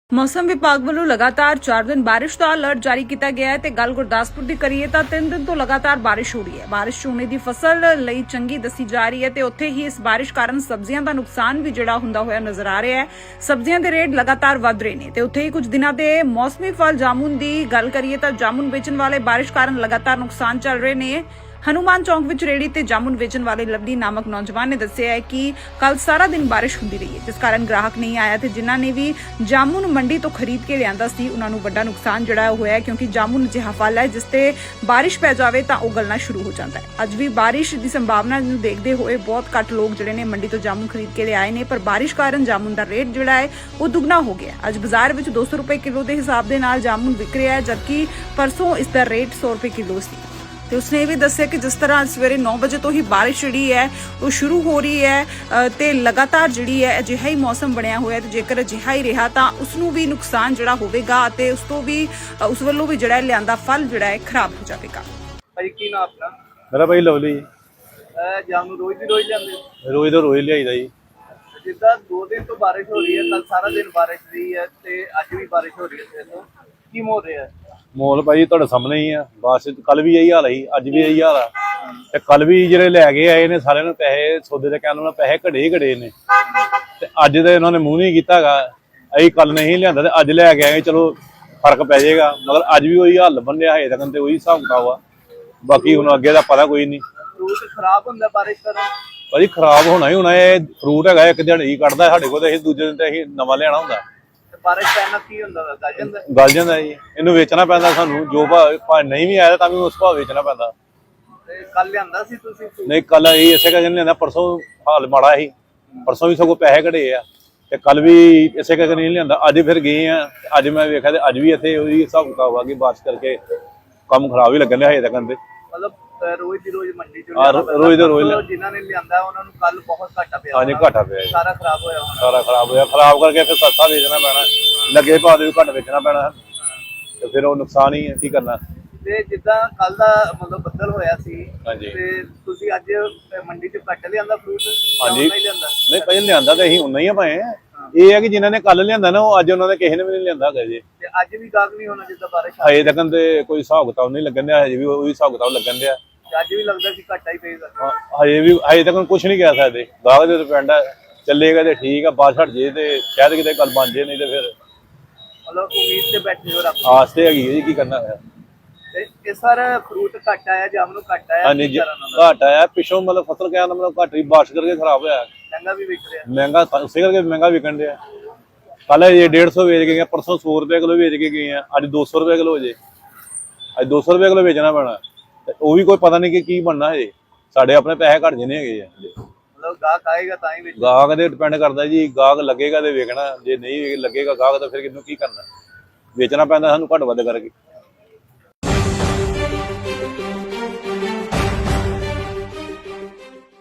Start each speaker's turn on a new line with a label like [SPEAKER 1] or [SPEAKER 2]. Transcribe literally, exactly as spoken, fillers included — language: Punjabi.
[SPEAKER 1] मौसम विभाग वालों लगातार चार दिन बारिश का अलर्ट जारी किया गया है। गल गुरदासपुर की करिए तो तीन दिन तो लगातार बारिश हो रही है। बारिश झोने की फसल लई चंगी दसी जा रही है ते उत्थे ही इस बारिश कारण सब्जियां का नुकसान भी जिहड़ा हुंदा होया नजर आ रहा है। सब्जियां के रेट लगातार वध रहे ने ते उत्थे ही कुछ दिनों के मौसमी फल जामुन की गल करिए तो जामुन बेचण वाले बारिश कारण लगातार नुकसान चल रहे ने। हनुमान चौक विच रेहड़ी ते जामुन वेचण वाले लवली नामक नौजवान ने दस्सिया है कि कल सारा दिन बारिश हुंदी रही है, जिस कारण ग्राहक नहीं आया ते जिन्हां ने भी जामुन मंडी तो खरीद के लियांदा सी उन्हां नूं वड्डा नुकसान जिहड़ा होया है, क्योंकि जामुन अजिहा फल है जिस ते बारिश पै जावे तां ओह गलना शुरू हो जाता है। अज भी बारिश की संभावना नूं देखदे होए बहुत घੱਟ लोग जिहड़े ने मंडी तो जामुन खरीद के ले आए ने, पर बारिश कारण जामुन का रेट जिहड़ा है वह दुगना हो गया। अज बाजार विच दो सौ रुपए किलो के हिसाब दे नाल जामुन विक रहा है, जबकि परसों इसका रेट सौ रुपए किलो सी। ਤੇ ਉਸਨੇ ਇਹ ਵੀ ਦੱਸਿਆ ਕਿ ਜਿਸ ਤਰ੍ਹਾਂ ਸਵੇਰੇ नौ ਵਜੇ ਤੋਂ ਹੀ ਬਾਰਿਸ਼ ਜਿਹੜੀ ਹੈ ਉਹ ਸ਼ੁਰੂ ਹੋ ਰਹੀ ਹੈ ਤੇ ਲਗਾਤਾਰ ਜਿਹੜੀ ਹੈ ਅਜਿਹਾ ਹੀ ਮੌਸਮ ਬਣਿਆ ਹੋਇਆ ਤੇ ਜੇਕਰ ਅਜਿਹਾ ਹੀ ਰਿਹਾ ਤਾਂ ਉਸ ਨੂੰ ਵੀ ਨੁਕਸਾਨ ਜਿਹੜਾ ਹੋਵੇਗਾ ਤੇ ਉਸ ਤੋਂ ਵੀ ਉਸ ਵੱਲੋਂ ਵੀ ਜਿਹੜਾ ਲਿਆਂਦਾ ਫਲ ਜਿਹੜਾ ਹੈ ਖਰਾਬ ਹੋ ਜਾਵੇਗਾ।
[SPEAKER 2] ਭਾਈ ਕੀ ਨਾਮ ਆਪਣਾ?
[SPEAKER 3] ਮੇਰਾ ਭਾਈ ਲਵਲੀ।
[SPEAKER 2] ਇਹ ਜਾਮ ਰੋਜ਼ ਦੀ ਰੋਜ਼ ਜਾਂਦੇ?
[SPEAKER 3] ਰੋਜ਼ ਦਾ ਰੋਜ਼ ਲਿਆਈਦਾ ਜੀ।
[SPEAKER 2] ਜਿੱਦਾਂ ਦੋ ਦਿਨ ਤੋਂ ਬਾਰਿਸ਼ ਹੋ ਰਹੀ ਹੈ, ਕੱਲ ਸਾਰਾ ਦਿਨ ਬਾਰਿਸ਼ ਰਹੀ ਹੈ ਤੇ ਅੱਜ ਵੀ ਬਾਰਿਸ਼ ਹੋ ਰਹੀ ਹੈ, ਤੇ ਕੀ ਮੋੜ ਰਿਹਾ ਹੈ
[SPEAKER 3] ਮੋਲ ਭਾਈ ਤੁਹਾਡੇ ਸਾਹਮਣੇ ਹੀ ਆ। ਬਸ ਕੱਲ ਵੀ ਇਹੀ ਹਾਲ ਸੀ, ਅੱਜ ਵੀ ਇਹੀ ਹਾਲ ਆ। ਤੇ ਕੱਲ ਵੀ ਜਿਹੜੇ ਲੈ ਕੇ ਆਏ ਨੇ ਸਾਰਿਆਂ ਨੂੰ ਪੈਸੇ ਸੌਦੇ ਦੇ ਕਹਿਣ ਨਾਲ ਪੈਸੇ ਘੜੇ ਹੀ ਘੜੇ ਨੇ, ਤੇ ਅੱਜ ਤੇ ਇਹਨਾਂ ਨੇ ਮੂੰਹ ਨਹੀਂ ਕੀਤਾ ਹੈਗਾ। ਅਸੀਂ ਕੱਲ ਨਹੀਂ ਲਿਆਂਦਾ ਤੇ ਅੱਜ ਲੈ ਕੇ ਆਏ, ਚਲੋ ਫਰਕ ਪੈ ਜਾਏਗਾ, ਮਗਰ ਅੱਜ ਵੀ ਉਹੀ ਹਾਲ ਬੰਨਿਆ ਹੈ ਤੱਕ ਤੇ ਉਹੀ ਹਿਸਾਬ ਕਿਤਾਬ ਆ। ਬਾਕੀ ਹੁਣ ਅੱਗੇ ਦਾ ਪਤਾ ਕੋਈ ਨਹੀਂ।
[SPEAKER 2] ਫਰੂਟ ਖਰਾਬ ਹੁੰਦਾ ਬਾਰਿਸ਼ ਕਾਰਨ?
[SPEAKER 3] ਭਾਜੀ ਖਰਾਬ ਹੋਣਾ ਹੀ ਹੋਣਾ। ਇਹ ਫਰੂਟ ਹੈਗਾ ਇੱਕ ਦਿਹਾੜੀ ਕੱਢਦਾ ਸਾਡੇ ਕੋਲ, ਤੇ ਅਸੀਂ ਦੂਜੇ ਦਿਨ ਤੇ ਅਸੀਂ ਨਵਾਂ ਲਿਆਣਾ ਹੁੰਦਾ।
[SPEAKER 2] ਬਾਰਿਸ਼ ਪੈਣ ਨਾਲ ਕੀ ਹੁੰਦਾ? ਗਲ ਜਾਂਦਾ?
[SPEAKER 3] ਗਲ ਜਾਂਦਾ ਜੀ। ਇਹਨੂੰ ਵੇਚਣਾ ਪੈਂਦਾ ਸਾਨੂੰ, ਜੋ ਭਾਅ ਨਹੀਂ ਵੀ ਆਇਆ ਤਾਂ ਵੀ ਉਸ ਭਾਅ ਵੇਚਣਾ ਪੈਂਦਾ।
[SPEAKER 2] ਤੇ ਕੱਲ ਲਿਆਂਦਾ ਸੀ ਤੁਸੀਂ?
[SPEAKER 3] ਨਹੀਂ ਕੱਲ ਇਹ ਇਸੇ ਕਰਕੇ ਨਹੀਂ ਲਿਆਂਦਾ, ਪਰਸੋਂ ਹਾਲ ਮਾੜਾ ਸੀ। ਪਰਸੋਂ ਵੀ ਸਗੋਂ ਪੈਸੇ ਘੜੇ ਆ, ਤੇ ਕੱਲ ਵੀ ਇਸੇ ਕਰਕੇ ਨਹੀਂ ਲਿਆਂਦਾ। ਅੱਜ ਫਿਰ ਗਏ ਆ, ਅੱਜ ਮੈਂ ਵੇਖਿਆ ਤੇ ਅੱਜ ਵੀ ਇੱਥੇ ਉਹਦੀ ਹਿਸਾਬ ਕਿਤਾਬ ਆ ਗਈ। ਬਾਰਿਸ਼ ਕਰਕੇ ਕੰਮ ਖਰਾਬ ਹੀ ਲੱਗਣ ਡਿਆ ਹਜੇ ਤੱਕ।
[SPEAKER 2] ਮਤਲਬ ਰੋਜ਼ ਦੀ ਰੋਜ਼ ਮੰਡੀ ਚ
[SPEAKER 3] ਰੋਜ਼ ਦਾ ਰੋਜ਼
[SPEAKER 2] ਜਿਨ੍ਹਾਂ ਨੇ ਲਿਆਂਦਾ ਉਹਨਾਂ ਨੂੰ ਕੱਲ ਬਹੁਤ ਘਾਟਾ ਪਿਆ।
[SPEAKER 3] ਹਾਂਜੀ ਘਾਟਾ ਪਿਆ,
[SPEAKER 2] ਸਾਰਾ ਖਰਾਬ ਹੋਇਆ ਹੋਣਾ।
[SPEAKER 3] ਸਾਰਾ ਖਰਾਬ ਹੋਇਆ। ਖਰਾਬ ਕਰਕੇ ਫਿਰ ਸਸਤਾ ਵੇਚਣਾ ਪੈਣਾ, ਲੱਗੇ ਭਾਅ ਦੇ ਵੀ ਘੱਟ ਵੇਚਣਾ ਪੈਣਾ, ਤੇ ਫਿਰ ਉਹ ਨੁਕਸਾਨ ਹੀ ਹੈ। ਕੀ ਕਰਨਾ।
[SPEAKER 2] ਤੇ ਜਿੱਦਾਂ ਕੱਲ ਦਾ ਮਤਲਬ ਬੱਦਲ ਹੋਇਆ ਸੀ,
[SPEAKER 3] ਹਾਂਜੀ,
[SPEAKER 2] ਤੇ ਤੁਸੀਂ ਅੱਜ ਮੰਡੀ ਚ ਘੱਟ ਲਿਆਂਦਾ ਫਰੂਟ?
[SPEAKER 3] ਹਾਂਜੀ
[SPEAKER 2] ਨਹੀਂ ਲਿਆਂਦਾ?
[SPEAKER 3] ਨਹੀਂ ਪਹਿਲਾਂ ਲਿਆਂਦਾ ਤੇ ਅਸੀਂ ਉਨਾ ਹੀ ਆ ਭਾਵੇਂ। ਇਹ ਹੈ ਕਿ ਜਿਨ੍ਹਾਂ ਨੇ ਕੱਲ ਲਿਆਂਦਾ ਨਾ ਉਹ ਅੱਜ ਉਹਨਾਂ ਨੇ ਕਿਸੇ ਨੇ ਵੀ ਨਹੀਂ ਲਿਆਂਦਾ ਹੈਗਾ ਜੀ।
[SPEAKER 2] ਤੇ ਅੱਜ ਵੀ ਗਾਹਕ ਨਹੀਂ ਹੋਣਾ ਜਿੱਦਾਂ ਬਾਰਿਸ਼?
[SPEAKER 3] ਹਜੇ ਤੱਕ ਤੇ ਕੋਈ ਹਿਸਾਬ ਕਿਤਾਬ ਨਹੀਂ ਲੱਗਣ ਡਿਆ, ਹਜੇ ਵੀ ਉਹੀ ਹਿਸਾਬ ਕਿਤਾਬ ਲੱਗਣ ਡਿਆ।
[SPEAKER 2] ਅੱਜ ਵੀ ਲੱਗਦਾ ਕਿ ਘਾਟਾ ਹੀ ਪਏਗਾ?
[SPEAKER 3] ਹਜੇ ਵੀ ਹਜੇ ਤੱਕ ਕੁਝ ਨਹੀਂ ਕਹਿ ਸਕਦੇ। ਗਾਹਕ ਦੇ ਡਿਪੈਂਡ ਹੈ, ਚੱਲੇਗਾ ਤੇ ਠੀਕ ਆ, ਬਾਅਦ ਛੱਡ ਜੇ ਤੇ ਸ਼ਾਇਦ ਕਿਤੇ ਗੱਲ ਬਣ ਜੇ, ਨਹੀਂ ਤੇ ਫਿਰ
[SPEAKER 2] ਮਤਲਬ ਉਮੀਦ ਤੇ ਬੈਠੇ ਹੋ ਰੱਬ?
[SPEAKER 3] ਆਸ ਤੇ ਹੈਗੀ ਜੀ, ਕੀ ਕਰਨਾ ਹੈ।
[SPEAKER 2] ਤੇ ਇਹ ਸਾਰਾ ਫਰੂਟ ਘੱਟ ਆਇਆ, ਜਾਮ ਨੂੰ ਘੱਟ ਆਇਆ?
[SPEAKER 3] ਹਾਂਜੀ ਘੱਟ ਆਇਆ ਪਿੱਛੋਂ, ਮਤਲਬ ਫਸਲ ਕਹਿਣ ਦਾ ਮਤਲਬ ਘੱਟ ਹੀ ਬਾਰਿਸ਼ ਕਰਕੇ ਖਰਾਬ ਹੋਇਆ।
[SPEAKER 2] ਮਹਿੰਗਾ ਵੀ ਵਿਕ ਰਿਹਾ?
[SPEAKER 3] ਮਹਿੰਗਾ ਉਸੇ ਕਰਕੇ ਮਹਿੰਗਾ ਵਿਕਣ ਡਿਆ। ਕੱਲ ਇਹ ਡੇਢ ਸੌ ਵੇਚ ਕੇ ਗਏ, ਪਰਸੋਂ ਸੌ ਰੁਪਏ ਕਿਲੋ ਵੇਚ ਕੇ ਗਏ ਆ, ਅੱਜ ਦੋ ਸੌ ਰੁਪਏ ਕਿਲੋ ਹੋ ਜੇ। ਅੱਜ ਦੋ ਸੌ ਰੁਪਏ ਕਿਲੋ ਵੇਚਣਾ ਪੈਣਾ, ਤੇ ਉਹ ਵੀ ਕੋਈ ਪਤਾ ਨਹੀਂ ਕਿ ਕੀ ਬਣਨਾ ਹਜੇ। ਸਾਡੇ ਆਪਣੇ ਪੈਸੇ ਘੱਟ ਜਨੇ ਹੈਗੇ ਆ।
[SPEAKER 2] ਮਤਲਬ ਗਾਹਕ ਆਏਗਾ ਤਾਂ ਹੀ ਵੇਚਣਾ?
[SPEAKER 3] ਗਾਹਕ ਤੇ ਡਿਪੈਂਡ ਕਰਦਾ ਜੀ, ਗਾਹਕ ਲੱਗੇਗਾ ਤੇ ਵੇਚਣਾ, ਜੇ ਨਹੀਂ ਲੱਗੇਗਾ ਗਾਹਕ ਤਾਂ ਫਿਰ ਕਿਹਨੂੰ ਕੀ ਕਰਨਾ। ਵੇਚਣਾ ਪੈਂਦਾ ਸਾਨੂੰ ਘੱਟ ਵੱਧ ਕਰਕੇ।